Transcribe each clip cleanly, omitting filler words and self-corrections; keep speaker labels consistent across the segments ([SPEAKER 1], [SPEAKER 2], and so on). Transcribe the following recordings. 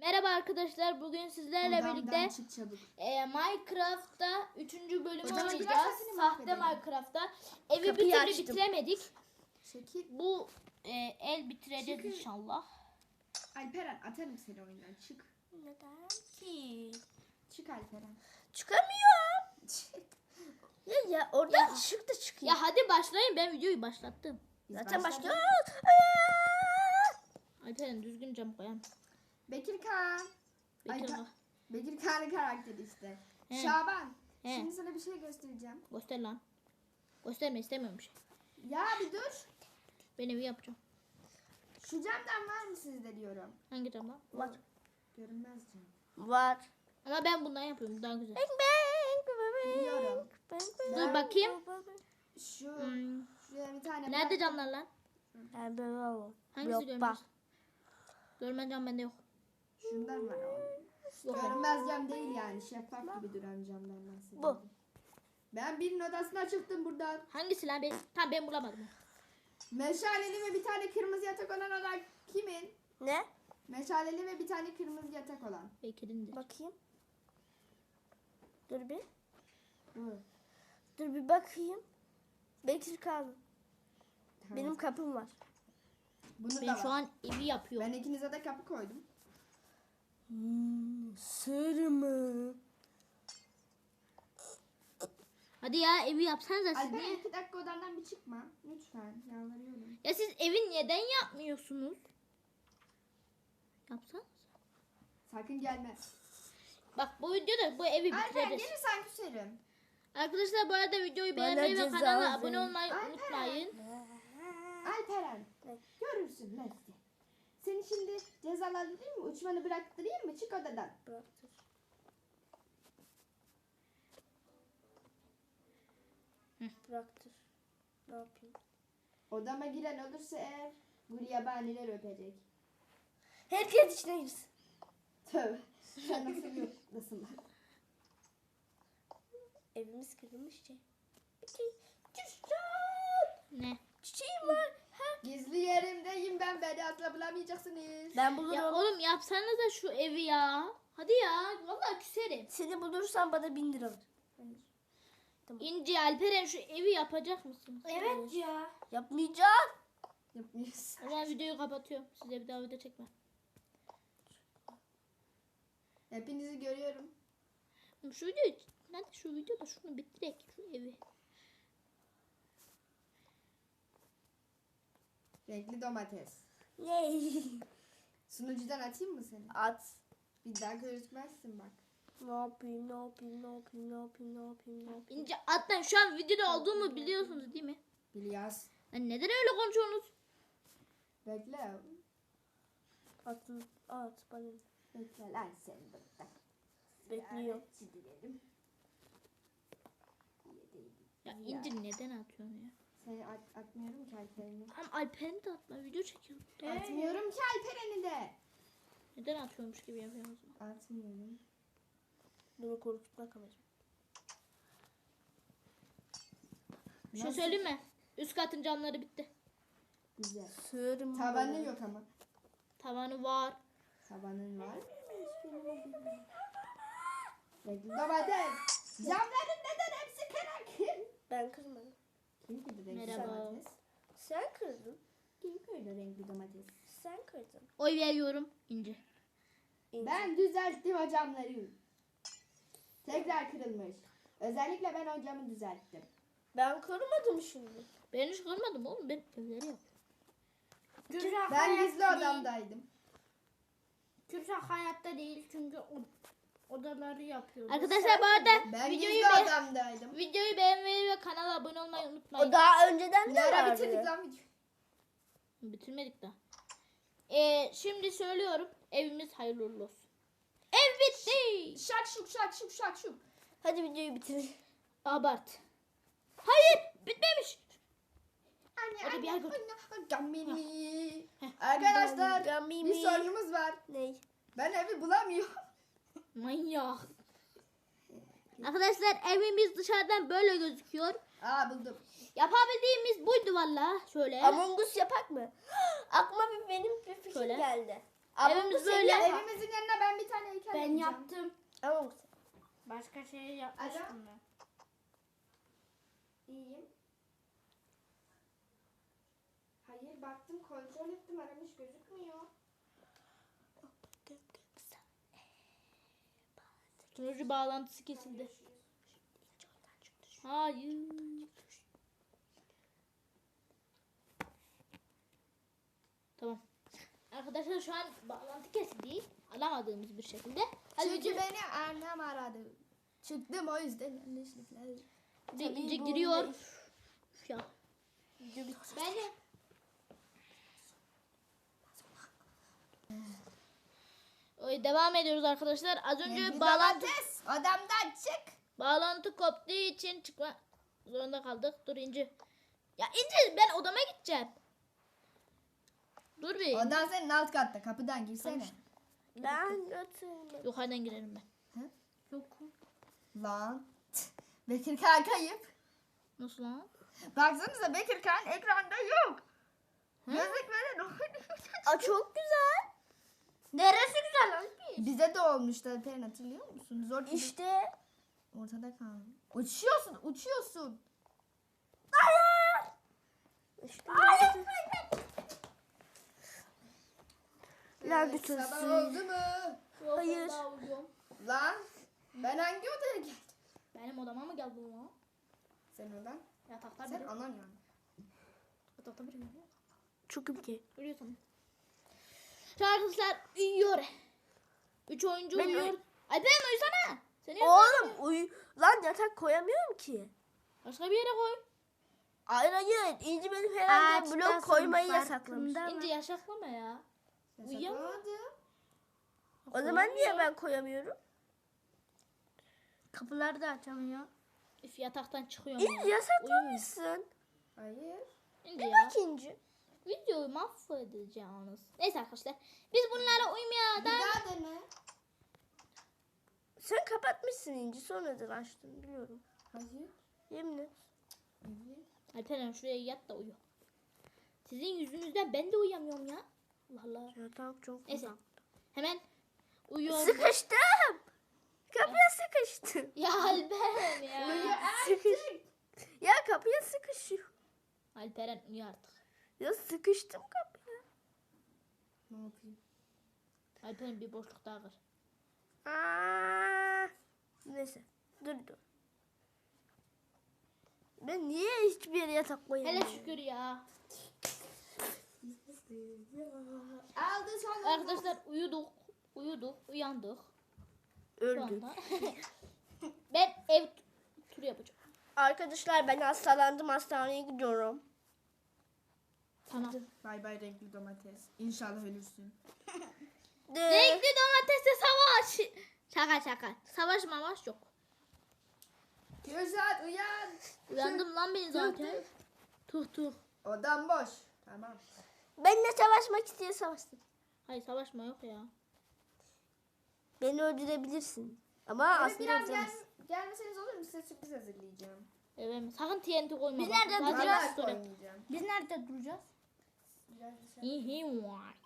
[SPEAKER 1] Merhaba arkadaşlar, bugün sizlerle birlikte
[SPEAKER 2] çık çabuk.
[SPEAKER 1] Minecraft'ta 3. bölümü
[SPEAKER 2] Hocam, biraz
[SPEAKER 1] oynayacağız.
[SPEAKER 2] sesini
[SPEAKER 1] Sahte
[SPEAKER 2] mahvedelim.
[SPEAKER 1] Minecraft'ta. Evi
[SPEAKER 3] Kapıyı
[SPEAKER 1] bir türlü
[SPEAKER 3] açtım.
[SPEAKER 1] bitiremedik.
[SPEAKER 2] Çekil.
[SPEAKER 1] Bu el bitireceğiz
[SPEAKER 2] Çıkın.
[SPEAKER 1] inşallah.
[SPEAKER 2] Alperen atarım seni oyundan. Çık.
[SPEAKER 3] Neden ki?
[SPEAKER 2] Çık Alperen.
[SPEAKER 3] Çıkamıyorum.
[SPEAKER 2] Çık.
[SPEAKER 3] Ya oradan çık da çıkayım.
[SPEAKER 1] Ya hadi başlayın, ben videoyu başlattım.
[SPEAKER 2] Biz
[SPEAKER 3] Zaten
[SPEAKER 2] başladık.
[SPEAKER 3] başlıyoruz.
[SPEAKER 1] Alperen düzgün cam koyalım.
[SPEAKER 2] Bekir Kağan.
[SPEAKER 1] Bekir
[SPEAKER 2] Ay,
[SPEAKER 1] bak.
[SPEAKER 2] Bekir Kağan'ın karakteri işte.
[SPEAKER 1] He.
[SPEAKER 2] Şaban.
[SPEAKER 1] He.
[SPEAKER 2] Şimdi sana bir şey göstereceğim.
[SPEAKER 1] Göster lan. Gösterme, istemiyorum bir şey.
[SPEAKER 2] Ya bir dur.
[SPEAKER 1] Ben evi yapacağım.
[SPEAKER 2] Şu camdan var mı sizde diyorum.
[SPEAKER 1] Hangi camdan?
[SPEAKER 3] Var.
[SPEAKER 2] Görünmez cam.
[SPEAKER 3] Var.
[SPEAKER 1] Ama ben bundan yapıyorum, bu daha güzel.
[SPEAKER 2] Biliyorum.
[SPEAKER 1] Dur bakayım.
[SPEAKER 2] Şu
[SPEAKER 1] Hmm.
[SPEAKER 2] şuraya bir tane
[SPEAKER 1] Nerede
[SPEAKER 2] bırak.
[SPEAKER 1] camlar lan? Hangisi
[SPEAKER 3] Yok
[SPEAKER 1] görmez?
[SPEAKER 3] bak.
[SPEAKER 1] Görmez cam bende yok.
[SPEAKER 2] Şundan var o.
[SPEAKER 1] Yok.
[SPEAKER 2] Görünmez cam değil yani. Şeffaf gibi duran camdan bahsediyorum.
[SPEAKER 3] Bu.
[SPEAKER 2] Ben birinin odasına çıktım buradan.
[SPEAKER 1] Hangisi lan? Tamam, ben bulamadım.
[SPEAKER 2] Meşaleli ve bir tane kırmızı yatak olan oda kimin?
[SPEAKER 3] Ne?
[SPEAKER 2] Meşaleli ve bir tane kırmızı yatak olan.
[SPEAKER 1] Bekir'indir.
[SPEAKER 3] Bakayım. Dur bir.
[SPEAKER 2] Hı.
[SPEAKER 3] Dur bir bakayım. Bekir kaldı.
[SPEAKER 2] Tamam.
[SPEAKER 3] Benim kapım var.
[SPEAKER 2] Bunu
[SPEAKER 1] Ben
[SPEAKER 2] da
[SPEAKER 1] şu
[SPEAKER 2] var.
[SPEAKER 1] an evi yapıyorum.
[SPEAKER 2] Ben ikinize de kapı koydum.
[SPEAKER 3] Sır mı?
[SPEAKER 1] Hadi ya, evi yapsanıza siz
[SPEAKER 2] Alper
[SPEAKER 1] niye?
[SPEAKER 2] 2 dakika odandan bir çıkma. Lütfen. Yalvarıyorum.
[SPEAKER 1] Ya siz evi neden yapmıyorsunuz? Yapsanız.
[SPEAKER 2] Sakın gelme.
[SPEAKER 1] Bak bu videoda bu evi
[SPEAKER 2] Alper
[SPEAKER 1] bitiririz.
[SPEAKER 2] gelirsen küserim.
[SPEAKER 1] Arkadaşlar bu arada videoyu
[SPEAKER 3] Bana
[SPEAKER 1] beğenmeyi ve
[SPEAKER 3] ceza
[SPEAKER 1] kanala
[SPEAKER 3] verin.
[SPEAKER 1] abone olmayı
[SPEAKER 2] Alper.
[SPEAKER 1] unutmayın.
[SPEAKER 2] Alperen.
[SPEAKER 3] Ne?
[SPEAKER 2] Görürsün Messi. Seni şimdi cezalandırayım mı? Uçmanı bıraktırayım mı? Çık odadan.
[SPEAKER 3] Bıraktır. Bıraktır. Ne yapayım?
[SPEAKER 2] Odama giren olursa eğer gulyabaniler öpecek.
[SPEAKER 3] Herkes içine girsin.
[SPEAKER 2] Tövbe. Sen nasıl yoklasın lan?
[SPEAKER 3] Evimiz kırılmış şey.
[SPEAKER 1] Ne?
[SPEAKER 3] Çiçeğim var.
[SPEAKER 2] Gizli yerimdeyim ben. Beni asla bulamayacaksınız.
[SPEAKER 3] Ben bulurum.
[SPEAKER 1] Ya oğlum yapsanıza şu evi ya. Hadi ya. Vallahi küserim.
[SPEAKER 3] Seni bulursan bana 1000 lira ver.
[SPEAKER 1] İnci, Alperen şu evi yapacak mısın?
[SPEAKER 3] Evet ya. Yapmayacağım.
[SPEAKER 2] Yapmıyoruz.
[SPEAKER 1] O zaman videoyu kapatıyorum. Size bir daha video çekmem.
[SPEAKER 2] Hepinizi görüyorum.
[SPEAKER 1] Şu video, nerede şu videoda şunu bitirek şu evi.
[SPEAKER 2] Renkli domates.
[SPEAKER 3] Ne?
[SPEAKER 2] Sunucudan atayım mı seni?
[SPEAKER 3] At.
[SPEAKER 2] Bir daha gözükmezsin bak.
[SPEAKER 3] Ne yapayım, ne yapayım, ne yapayım, ne yapayım, ne yapayım, ne yapayım.
[SPEAKER 1] İnci atlan, şu an videoda olduğumu biliyorsunuz değil mi?
[SPEAKER 2] Biliyoruz.
[SPEAKER 1] Lan neden öyle konuşuyorsunuz?
[SPEAKER 2] Bekle.
[SPEAKER 3] Atın, at bana.
[SPEAKER 2] Bekle lan sen burada.
[SPEAKER 3] Bekliyor.
[SPEAKER 2] Çizilelim.
[SPEAKER 1] Ya İnci neden atıyorsun ya?
[SPEAKER 2] Seni atmıyorum ki Alperen'i.
[SPEAKER 1] Ama Alper'in de atma, video çekiyorum.
[SPEAKER 2] Atmıyorum ki Alperen'i de.
[SPEAKER 1] Neden atıyormuş gibi yapıyorsun o zaman?
[SPEAKER 2] Atmıyorum.
[SPEAKER 3] Bunu korkutmak amacım.
[SPEAKER 1] Bir şey
[SPEAKER 2] Nasıl?
[SPEAKER 1] söyleyeyim mi? Üst katın camları bitti.
[SPEAKER 2] Güzel.
[SPEAKER 3] Sığırım.
[SPEAKER 2] Tavanı yok ama.
[SPEAKER 1] Tavanı var.
[SPEAKER 2] Tavanın var. Renkli domates. Camların neden hepsi kırak?
[SPEAKER 3] Ben kırmadım.
[SPEAKER 2] Kim kırdı renkli
[SPEAKER 1] Merhaba.
[SPEAKER 2] domates?
[SPEAKER 3] Sen kırdın.
[SPEAKER 2] Kim kırdı renkli domates?
[SPEAKER 3] Sen kırdın.
[SPEAKER 1] Oy veriyorum İnci.
[SPEAKER 3] İnci.
[SPEAKER 2] Ben düzelttim o camları. Tekrar kırılmış. Özellikle ben o camı düzelttim.
[SPEAKER 3] Ben kırmadım şimdi.
[SPEAKER 1] Ben hiç görmedim oğlum, ben evleri yapıyorum.
[SPEAKER 2] Ben gizli odamdaydım.
[SPEAKER 4] Kürşat hayatta değil çünkü odaları yapıyor.
[SPEAKER 1] Arkadaşlar bu arada
[SPEAKER 2] Ben
[SPEAKER 1] videoyu,
[SPEAKER 2] gizli odamdaydım.
[SPEAKER 1] videoyu beğenmeyi ve kanala abone olmayı unutmayın.
[SPEAKER 3] O daha önceden de
[SPEAKER 2] Ne ara
[SPEAKER 3] vardı.
[SPEAKER 2] bitirdik lan videoyu?
[SPEAKER 1] Bitirmedik daha. Şimdi söylüyorum, evimiz hayırlı uğurlu olsun. Ev bitti.
[SPEAKER 2] Şak şuk şak şuk şak şuk.
[SPEAKER 3] Hadi videoyu bitirin.
[SPEAKER 1] Abart. Hayır, bitmemiş.
[SPEAKER 2] Anne
[SPEAKER 1] Hadi bir yer götür.
[SPEAKER 2] Gamini. Arkadaşlar
[SPEAKER 3] Gamimi.
[SPEAKER 2] bir sorunumuz var.
[SPEAKER 3] Ney?
[SPEAKER 2] Ben evi bulamıyorum.
[SPEAKER 1] Manyak. Arkadaşlar evimiz dışarıdan böyle gözüküyor.
[SPEAKER 2] Aa buldum.
[SPEAKER 1] Yapabildiğimiz buydu valla. Şöyle.
[SPEAKER 3] Among Us yapak mı? Aklıma benim bir fikir
[SPEAKER 1] Şöyle.
[SPEAKER 3] geldi.
[SPEAKER 1] Evimiz
[SPEAKER 3] Among Us
[SPEAKER 1] böyle.
[SPEAKER 3] yapalım.
[SPEAKER 2] Evimizin yanına
[SPEAKER 4] yaptım.
[SPEAKER 3] Ama
[SPEAKER 4] Başka şey yapmıştım ben.
[SPEAKER 2] İyiyim. Hayır baktım kontrol ettim aramış gözükmüyor.
[SPEAKER 1] Sunucu bağlantısı kesildi. Hayır. Tamam. Arkadaşlar şu an bağlantı kesildi. Alamadığımız bir şekilde. Hadi
[SPEAKER 2] Çünkü
[SPEAKER 1] önce
[SPEAKER 2] beni annem aradı. Çıktım o yüzden yanlışlıkla.
[SPEAKER 1] bir ince giriyor. Üf ya. Ben de devam ediyoruz arkadaşlar. Az önce
[SPEAKER 2] Odamdan çık.
[SPEAKER 1] bağlantı koptuğu için çıkma zorunda kaldık. Dur İnci. Ya İnci ben odama gideceğim. Dur bir.
[SPEAKER 2] Odan senin alt katta kapıdan girsene.
[SPEAKER 3] ben götürmedim.
[SPEAKER 1] Yukarıdan girerim ben.
[SPEAKER 4] Yok.
[SPEAKER 2] Lan. Bekir Kağan kayıp.
[SPEAKER 1] Nasıl lan?
[SPEAKER 2] Baksanıza Bekir Kağan ekranda yok. Gözlükleri ne oynuyor?
[SPEAKER 3] Aa, çok güzel.
[SPEAKER 4] Neresi güzel lan?
[SPEAKER 2] Bize de olmuştu Alperen hatırlıyor musun? Zor işte.
[SPEAKER 3] İşte.
[SPEAKER 2] Ortada kaldım. Uçuyorsun uçuyorsun.
[SPEAKER 3] İşte. Lanet
[SPEAKER 2] Sabah
[SPEAKER 3] olsun.
[SPEAKER 2] oldu mu?
[SPEAKER 3] Hayır.
[SPEAKER 2] Lan. Ben hangi odaya geldim?
[SPEAKER 1] Benim odama mı geldin lan?
[SPEAKER 2] Sen odan.
[SPEAKER 1] Yatakta
[SPEAKER 2] Sen
[SPEAKER 1] biri.
[SPEAKER 2] anan yani.
[SPEAKER 1] Yatakta biri.
[SPEAKER 3] Çok iyi.
[SPEAKER 1] Görüyorsun. Şu arkadaşlar uyuyor. 3 oyuncu
[SPEAKER 3] Ben
[SPEAKER 1] uyuyor. Alperen uyusana. Seni
[SPEAKER 3] Oğlum lan yatak koyamıyorum ki.
[SPEAKER 1] başka bir yere koy.
[SPEAKER 3] Hayır. İnci benim herhalde
[SPEAKER 4] Ağaçtasın,
[SPEAKER 3] blok koymayı yasaklamış.
[SPEAKER 4] farkında mı?
[SPEAKER 1] İnce yaşaklama ya. Uyuyamam.
[SPEAKER 2] Yasaklamadım.
[SPEAKER 3] O zaman niye ben koyamıyorum?
[SPEAKER 4] Kapıları da açamıyor.
[SPEAKER 1] Üf yataktan çıkıyorum
[SPEAKER 3] İnci
[SPEAKER 1] ya.
[SPEAKER 3] yasaklamışsın.
[SPEAKER 2] Hayır.
[SPEAKER 1] İnce ya.
[SPEAKER 3] Bak İnci.
[SPEAKER 1] Videoyu mahvedeceğiniz. Neyse arkadaşlar. Biz bunlara uymaya
[SPEAKER 2] Bir
[SPEAKER 1] da...
[SPEAKER 2] daha dene.
[SPEAKER 3] Sen kapatmışsın İnci. Sonradan açtım biliyorum.
[SPEAKER 2] Hayır.
[SPEAKER 3] Yemin et.
[SPEAKER 2] Evet.
[SPEAKER 1] Alperen şuraya yat da uyu. Sizin yüzünüzden ben de uyuyamıyorum ya. Allah Allah.
[SPEAKER 3] Yatak çok
[SPEAKER 1] Neyse.
[SPEAKER 3] uzak.
[SPEAKER 1] Hemen uyuyorum.
[SPEAKER 3] Sıkıştım. Kapıya sıkıştım.
[SPEAKER 1] Ya Alperen ya.
[SPEAKER 3] Sıkış. Ya kapıya sıkışıyor.
[SPEAKER 1] Alperen uyu artık.
[SPEAKER 3] Ya sıkıştım kapıya.
[SPEAKER 2] Ne yapayım?
[SPEAKER 1] Alperen bir boşluk daha kır.
[SPEAKER 3] Aa, neyse. Dur. Ben niye hiçbir yere yatak koyamıyorum?
[SPEAKER 1] Hele şükür ya.
[SPEAKER 2] Aldı sonra.
[SPEAKER 1] Arkadaşlar uyuduk, uyandık. Şu
[SPEAKER 3] Öldüm.
[SPEAKER 1] anda. Ben ev turu yapacağım.
[SPEAKER 3] Arkadaşlar ben hastalandım. Hastaneye gidiyorum.
[SPEAKER 1] Tamam.
[SPEAKER 2] Bay bay renkli domates. İnşallah ölürsün.
[SPEAKER 1] Renkli domatesle savaş. Şaka. Savaş mavaş yok.
[SPEAKER 2] Kürşat uyan.
[SPEAKER 1] Uyandım lan ben zaten. Tuh.
[SPEAKER 2] Odam boş. Tamam.
[SPEAKER 3] Benimle savaşmak isteyen savaşsın.
[SPEAKER 1] Hayır savaşma yok ya.
[SPEAKER 3] Beni öldürebilirsin. Ama
[SPEAKER 2] Eve
[SPEAKER 3] aslında
[SPEAKER 2] biraz
[SPEAKER 3] öldüremezsin.
[SPEAKER 2] gelmeseniz olur mu? Size sürpriz hazırlayacağım.
[SPEAKER 1] Evet. Sakın TNT koyma.
[SPEAKER 4] Biz
[SPEAKER 1] bak.
[SPEAKER 4] nerede
[SPEAKER 1] Zaten
[SPEAKER 4] duracağız?
[SPEAKER 1] az sonra.
[SPEAKER 2] Oynayacağım.
[SPEAKER 4] Biz nerede duracağız?
[SPEAKER 2] Biraz dışarı.
[SPEAKER 1] İyi var.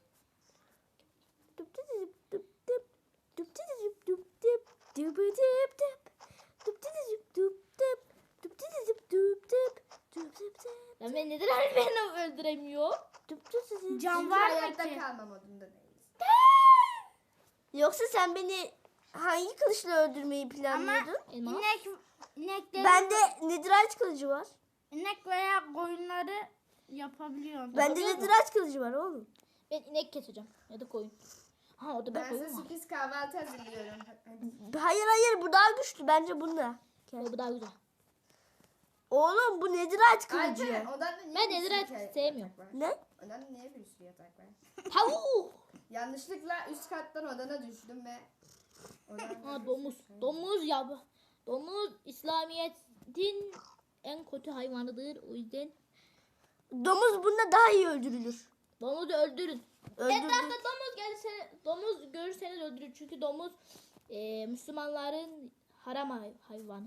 [SPEAKER 1] Ya ben neden beni öldüremiyor?
[SPEAKER 4] Can
[SPEAKER 2] Çünkü
[SPEAKER 4] var mı
[SPEAKER 2] hayatta
[SPEAKER 4] ki?
[SPEAKER 2] kalma modunda değiliz.
[SPEAKER 3] Yoksa sen beni hangi kılıçla öldürmeyi planlıyordun?
[SPEAKER 1] Elmas.
[SPEAKER 4] İnekleri,
[SPEAKER 3] Bende netherite kılıcı var.
[SPEAKER 4] inek veya koyunları yapabiliyorum.
[SPEAKER 3] Bende netherite kılıcı var oğlum.
[SPEAKER 1] Ben inek keseceğim. Ya da koyun. Ha o da ben
[SPEAKER 2] Ben size
[SPEAKER 1] koyun var.
[SPEAKER 2] sürpriz kahvaltı hazırlıyorum. Hadi.
[SPEAKER 3] Hayır bu daha güçlü bence bunda.
[SPEAKER 1] Bu daha güzel.
[SPEAKER 3] Oğlum bu netherite kılıcı.
[SPEAKER 2] Alperen odanda niye
[SPEAKER 1] Ben
[SPEAKER 2] bir sürü
[SPEAKER 1] netherite
[SPEAKER 2] yatak
[SPEAKER 1] sevmiyorum.
[SPEAKER 2] var?
[SPEAKER 3] Ne?
[SPEAKER 2] Odanda niye bir sürü yatak var?
[SPEAKER 1] Tavuk.
[SPEAKER 2] Yanlışlıkla üst kattan odana düştüm ve
[SPEAKER 1] Ha domuz. Domuz ya bu. Domuz İslamiyet'in en kötü hayvanıdır. O yüzden
[SPEAKER 3] Domuz bunda daha iyi öldürülür.
[SPEAKER 1] domuzu öldürün.
[SPEAKER 3] Öldürdük.
[SPEAKER 1] Etrafta domuz gelirse, domuz görürseniz öldürün. Çünkü domuz Müslümanların haram hayvanı.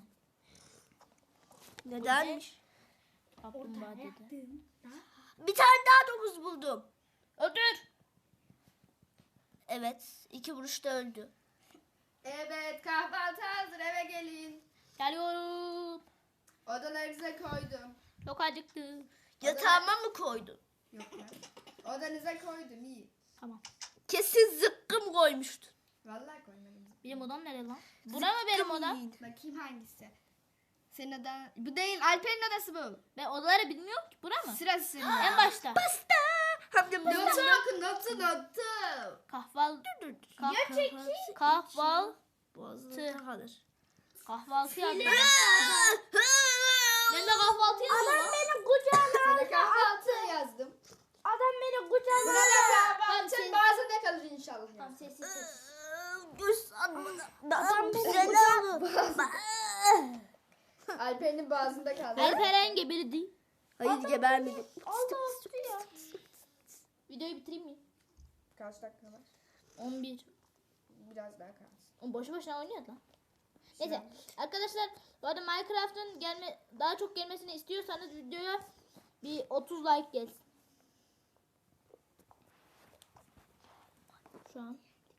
[SPEAKER 3] Nedenmiş?
[SPEAKER 1] Kaplumbağa dedi.
[SPEAKER 3] Bir tane daha domuz buldum.
[SPEAKER 1] Öldür.
[SPEAKER 3] Evet. 2 vuruşta öldü.
[SPEAKER 2] Evet, kahvaltı hazır, eve gelin.
[SPEAKER 1] Geliyorum.
[SPEAKER 2] Odalarınıza koydum.
[SPEAKER 1] Çok acıktım.
[SPEAKER 3] Yatağıma mı koydun?
[SPEAKER 2] Yok ya. Odanıza koydum, iyi.
[SPEAKER 1] Tamam.
[SPEAKER 3] Kesin zıkkım koymuştun.
[SPEAKER 2] Vallahi koymadım.
[SPEAKER 1] Benim odam nerede lan? Bura mı benim odam?
[SPEAKER 3] yiyin.
[SPEAKER 2] Bakayım hangisi. Senin odan... Bu değil, Alper'in odası bu.
[SPEAKER 1] Ben odaları bilmiyorum ki. Bura mı?
[SPEAKER 2] Sırası senin.
[SPEAKER 1] En başta.
[SPEAKER 3] Pasta. Hem de
[SPEAKER 2] Notu oku, notu.
[SPEAKER 1] Kahval.
[SPEAKER 3] Kahvaltı.
[SPEAKER 1] Kahval.
[SPEAKER 3] Boğazında kalır.
[SPEAKER 1] Kahvaltı yazdım. Ben de kahvaltı yazdım.
[SPEAKER 4] Adam beni kucağına
[SPEAKER 2] Sana kahvaltı yazdım.
[SPEAKER 4] Adam beni kucağına
[SPEAKER 2] Burada
[SPEAKER 1] Tamam,
[SPEAKER 2] kahvaltı
[SPEAKER 1] sen-
[SPEAKER 2] boğazında kalır inşallah.
[SPEAKER 1] Tamam, sessiz ses.
[SPEAKER 3] Göz sanmadan.
[SPEAKER 4] Adam beni
[SPEAKER 2] Alper'in boğazında kaldı.
[SPEAKER 1] Alperen gebirdi.
[SPEAKER 3] Hayır gebermedim.
[SPEAKER 4] Allah ya.
[SPEAKER 1] Videoyu bitireyim mi?
[SPEAKER 2] Kaç dakika var?
[SPEAKER 1] 11.
[SPEAKER 2] Biraz daha kalsın.
[SPEAKER 1] O boşu boşuna oynuyor lan. Neyse arkadaşlar, bu arada Minecraft'ın daha çok gelmesini istiyorsanız videoya bir 30 like gelsin. Şu an.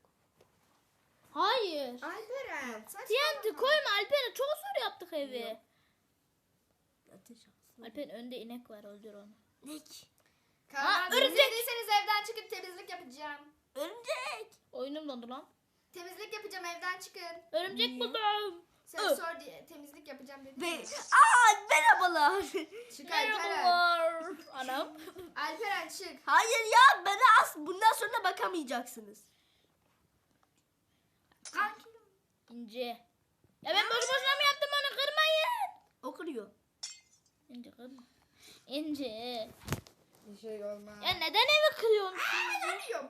[SPEAKER 1] Hayır.
[SPEAKER 2] Alperen, saçmalama.
[SPEAKER 1] TNT koyma Alperen, çok zor yaptık evi.
[SPEAKER 3] Ateş alsın.
[SPEAKER 1] Alperen önde inek var, öldür onu.
[SPEAKER 3] Nek.
[SPEAKER 2] Kahvaltı
[SPEAKER 1] örümcek.
[SPEAKER 2] izlediyseniz evden çıkıp temizlik yapacağım.
[SPEAKER 3] Örümcek.
[SPEAKER 1] Oyunum dondu lan.
[SPEAKER 2] Temizlik yapacağım, evden çıkın.
[SPEAKER 1] Örümcek buldum.
[SPEAKER 2] Sen sor diye temizlik yapacağım dedim.
[SPEAKER 3] Ve merhabalar.
[SPEAKER 2] Çık Alperen.
[SPEAKER 1] Merhabalar. Anam.
[SPEAKER 2] Alperen çık.
[SPEAKER 3] Hayır ya bana bundan sonra bakamayacaksınız.
[SPEAKER 1] İnce. Ya ben boşu boşuna mı yaptım onu, kırmayın.
[SPEAKER 3] O kırıyor.
[SPEAKER 1] İnce kırma. İnce.
[SPEAKER 2] Bir şey olmaz.
[SPEAKER 1] Ya neden evi kırıyorsun?
[SPEAKER 2] Yanıyorum.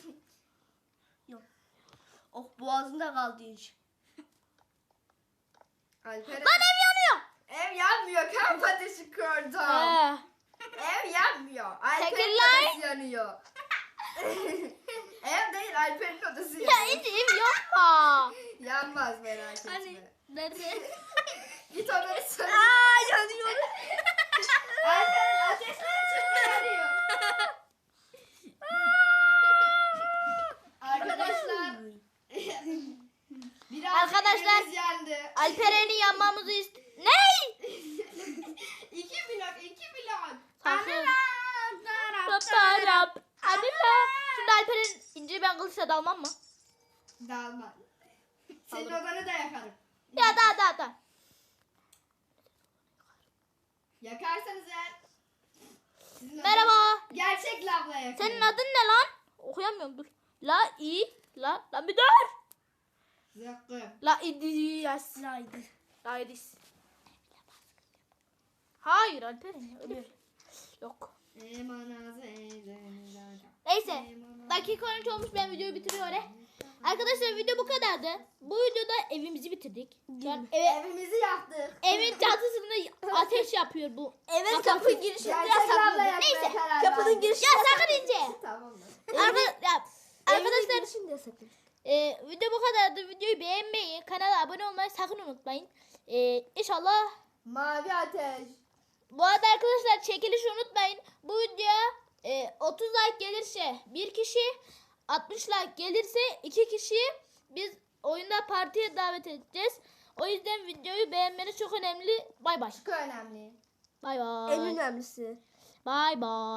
[SPEAKER 3] Oh boğazında kaldı iş.
[SPEAKER 2] Alperen.
[SPEAKER 1] Lan ev yanıyor.
[SPEAKER 2] Ev yanmıyor. Kamp ateşi kurdum.
[SPEAKER 1] He.
[SPEAKER 2] Ev yanmıyor. Alper'in
[SPEAKER 1] Teşekkürler.
[SPEAKER 2] odası yanıyor. Ev değil, Alper'in odası
[SPEAKER 1] Ya
[SPEAKER 2] yanıyor.
[SPEAKER 1] İnce ev yapma.
[SPEAKER 2] Yanmaz, merak etme.
[SPEAKER 1] Hani nerede?
[SPEAKER 2] Git odayı söyle.
[SPEAKER 3] Yanıyor.
[SPEAKER 2] Alper'in ateşleri çok yanıyor. Arkadaşlar. Biraz
[SPEAKER 1] Arkadaşlar.
[SPEAKER 2] evimiz yandı.
[SPEAKER 1] Alperen'i yanmamızı Ne?
[SPEAKER 2] 2 blok, 2 blok.
[SPEAKER 1] Sakın. Paparap. Anila. Şimdi Alperen İnce'yi ben kılıçla dalmam mı?
[SPEAKER 2] Dalma. Senin odanı da yakarım.
[SPEAKER 1] Ya da.
[SPEAKER 2] Yakarsanız eğer. Sizin
[SPEAKER 1] Merhaba.
[SPEAKER 2] odanı gerçek lavla yakarım.
[SPEAKER 1] Senin adın ne lan? Okuyamıyorum, dur. Lan bir dur.
[SPEAKER 2] Zıkkım.
[SPEAKER 1] La idiyas. La idis. Hayır Alperen, öyle. Yok. Neyse. Dakika 13 olmuş, ben videoyu bitiriyorum. Arkadaşlar video bu kadardı. Bu videoda evimizi bitirdik. Şu an
[SPEAKER 2] Evimizi yaktık.
[SPEAKER 1] evin çatısında ateş yapıyor bu.
[SPEAKER 3] Evet kapı girişinde
[SPEAKER 2] Gerçek lavla
[SPEAKER 3] yasakladı.
[SPEAKER 2] yakmaya
[SPEAKER 1] Neyse,
[SPEAKER 2] karar
[SPEAKER 3] Kapının
[SPEAKER 2] verdik.
[SPEAKER 3] girişinde
[SPEAKER 1] Ya sakın İnce.
[SPEAKER 2] Tamam mı?
[SPEAKER 1] Arkadaşlar
[SPEAKER 3] girişinde yasakladı.
[SPEAKER 1] video bu kadardı. Videoyu beğenmeyi, kanala abone olmayı sakın unutmayın. İnşallah.
[SPEAKER 2] Mavi ateş.
[SPEAKER 1] Bu arada arkadaşlar çekilişi unutmayın. Bu videoya 30 like gelirse bir kişi, 60 like gelirse 2 kişi biz oyunda partiye davet edeceğiz. O yüzden videoyu beğenmeniz çok önemli. Bay bay.
[SPEAKER 2] Çok önemli.
[SPEAKER 1] Bay
[SPEAKER 3] En
[SPEAKER 1] bay.
[SPEAKER 3] önemlisi.
[SPEAKER 1] Bay bay.